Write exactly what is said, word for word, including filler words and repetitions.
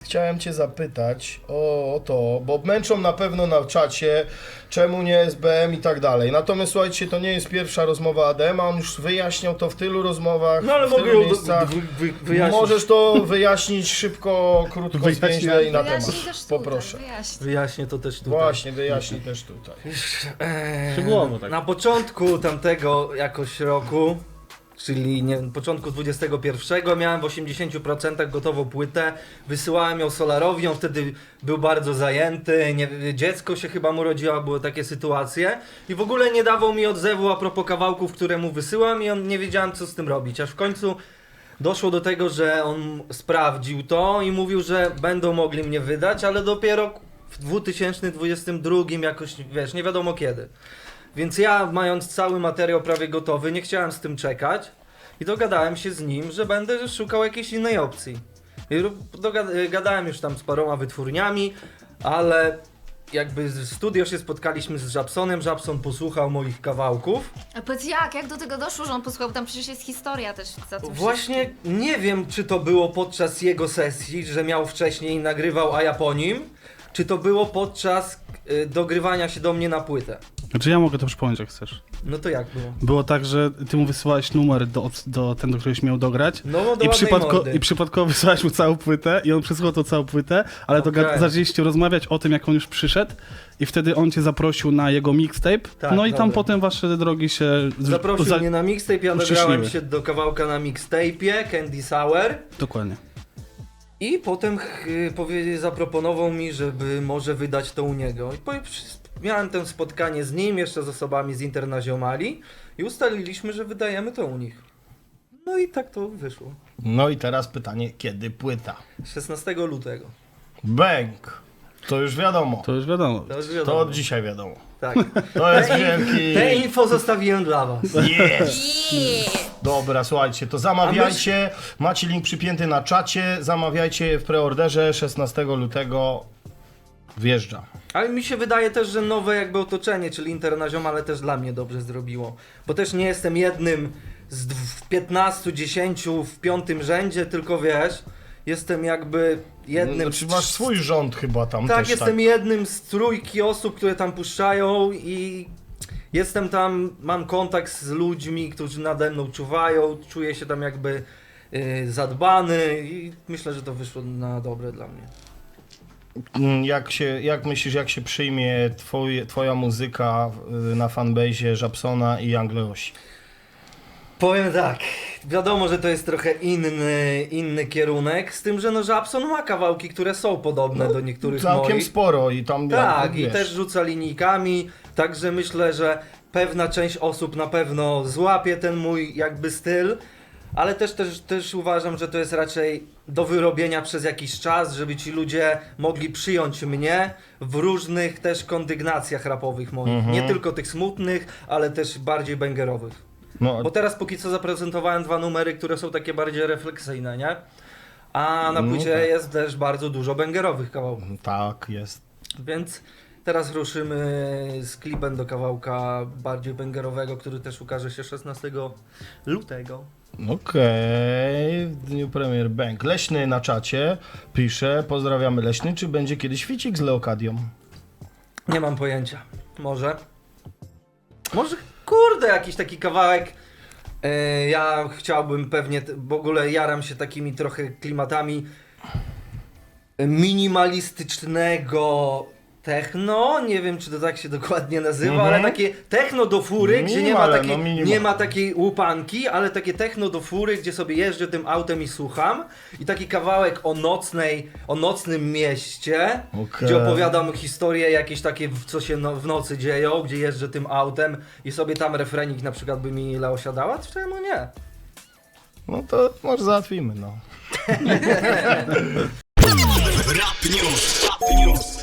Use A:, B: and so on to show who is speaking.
A: chciałem cię zapytać o, o to, bo męczą na pewno na czacie, czemu nie S B M i tak dalej. Natomiast słuchajcie, to nie jest pierwsza rozmowa Adema, on już wyjaśniał to w tylu rozmowach,
B: No ale
A: w
B: mogę
A: tylu
B: ją
A: miejscach.
B: wy, wy, wyjaśnić.
A: Możesz to wyjaśnić szybko, krótko,
C: Wyjaśniaj.
A: zwięźle i na temat.
D: Wyjaśnij też tutaj,
A: Poproszę.
D: wyjaśnij.
B: Wyjaśnię to też tutaj.
A: Właśnie, wyjaśnij też tutaj.
B: Eee,
C: Szczegółowo tak.
B: Na początku tamtego jakoś roku, czyli nie, początku dwudziestego pierwszego, miałem w osiemdziesięciu procentach gotową płytę, wysyłałem ją Solarowi, on wtedy był bardzo zajęty, nie, dziecko się chyba mu rodziło, były takie sytuacje i w ogóle nie dawał mi odzewu a propos kawałków, które mu wysyłam i on nie wiedziałem co z tym robić, aż w końcu doszło do tego, że on sprawdził to i mówił, że będą mogli mnie wydać, ale dopiero w dwa tysiące dwudziestym drugim jakoś, wiesz, nie wiadomo kiedy. Więc ja, mając cały materiał prawie gotowy, nie chciałem z tym czekać i dogadałem się z nim, że będę szukał jakiejś innej opcji. I dogad- gadałem już tam z paroma wytwórniami, ale jakby w studio się spotkaliśmy z Żabsonem, Żabson posłuchał moich kawałków.
D: A powiedz jak, jak do tego doszło, że on posłuchał? Tam przecież jest historia też za tym
B: Właśnie nie wiem, czy to było podczas jego sesji, że miał wcześniej nagrywał, a ja po nim, czy to było podczas y, dogrywania się do mnie na płytę.
C: Znaczy ja mogę to przypomnieć, jak chcesz.
B: No to jak było?
C: Było tak, że ty mu wysyłałeś numer do, do ten, do któregoś miał dograć.
B: No, do
C: I,
B: ładnej
C: przypadko,
B: mordy.
C: I przypadkowo wysłałeś mu całą płytę i on przesłuchał tą całą płytę, ale to
B: Okej.
C: ga- zaczęliście rozmawiać o tym, jak on już przyszedł i wtedy on cię zaprosił na jego mixtape.
B: Tak,
C: no i tam
B: dobra.
C: potem wasze drogi się... z-
B: Zaprosił
C: za-
B: mnie na mixtape, ja
C: uściśliły.
B: dograłem się do kawałka na mixtape'ie, Candy Sour.
C: Dokładnie.
B: I potem y, powie, zaproponował mi, żeby może wydać to u niego. I po, miałem to spotkanie z nim, jeszcze z osobami z Internaziomali i ustaliliśmy, że wydajemy to u nich. No i tak to wyszło.
A: No i teraz pytanie, kiedy płyta?
B: szesnastego lutego.
A: Bang! To już wiadomo.
C: To już wiadomo.
B: To już
A: To
B: wiadomo.
A: od dzisiaj wiadomo.
B: Tak.
A: To jest
B: Te,
A: wielki...
B: te info zostawiłem dla was.
A: Yes!
D: Yeah.
A: Dobra, słuchajcie, to zamawiajcie, macie link przypięty na czacie, zamawiajcie w preorderze, szesnastego lutego wjeżdża.
B: Ale mi się wydaje też, że nowe jakby otoczenie, czyli Internaziom, ale też dla mnie dobrze zrobiło. Bo też nie jestem jednym z dw- piętnastu, dziesięciu w piątym rzędzie, tylko wiesz, jestem jakby jednym
A: Znaczy masz swój rząd chyba tam
B: Tak,
A: też,
B: jestem
A: tak?
B: jednym z trójki osób, które tam puszczają i jestem tam, mam kontakt z ludźmi, którzy nade mną czuwają, czuję się tam jakby y, zadbany i myślę, że to wyszło na dobre dla mnie.
A: Mm, Jak, się, jak myślisz, jak się przyjmie twoje, twoja muzyka y, na fanbase'ie Żabsona i Angleosi?
B: Powiem tak, wiadomo, że to jest trochę inny, inny kierunek, z tym, że no Żabson ma kawałki, które są podobne do niektórych
A: Całkiem
B: moich.
A: sporo i tam...
B: Tak,
A: jak,
B: i
A: wiesz,
B: też rzuca linijkami, także myślę, że pewna część osób na pewno złapie ten mój jakby styl, ale też, też, też uważam, że to jest raczej do wyrobienia przez jakiś czas, żeby ci ludzie mogli przyjąć mnie w różnych też kondygnacjach rapowych moich.
A: Mhm.
B: Nie tylko tych smutnych, ale też bardziej bangerowych.
A: No,
B: Bo teraz póki co zaprezentowałem dwa numery, które są takie bardziej refleksyjne, nie? A na
A: No
B: płycie
A: tak.
B: jest też bardzo dużo bangerowych kawałków.
A: tak, jest.
B: Więc teraz ruszymy z klipem do kawałka bardziej bangerowego, który też ukaże się szesnastego lutego.
A: Okej, w dniu premier Bang. Leśny na czacie pisze, pozdrawiamy Leśny, czy będzie kiedyś ficik z Leokadią?
B: Nie mam pojęcia. Może. Może kurde jakiś taki kawałek. E, ja chciałbym pewnie, t- w ogóle jaram się takimi trochę klimatami minimalistycznego techno, nie wiem czy to tak się dokładnie nazywa,
A: Mhm.
B: ale takie techno do fury, gdzie nie ma,
A: Minimale,
B: takiej,
A: no minimal.
B: nie ma takiej łupanki, ale takie techno do fury, gdzie sobie jeżdżę tym autem i słucham i taki kawałek o nocnej, o nocnym mieście,
A: Okej.
B: gdzie opowiadam historie jakieś takie, w- co się no, w nocy dzieją, gdzie jeżdżę tym autem i sobie tam refrenik na przykład by mi ile osiadała, to czemu nie?
A: No to może załatwimy, no.
E: Rap News. Rap News.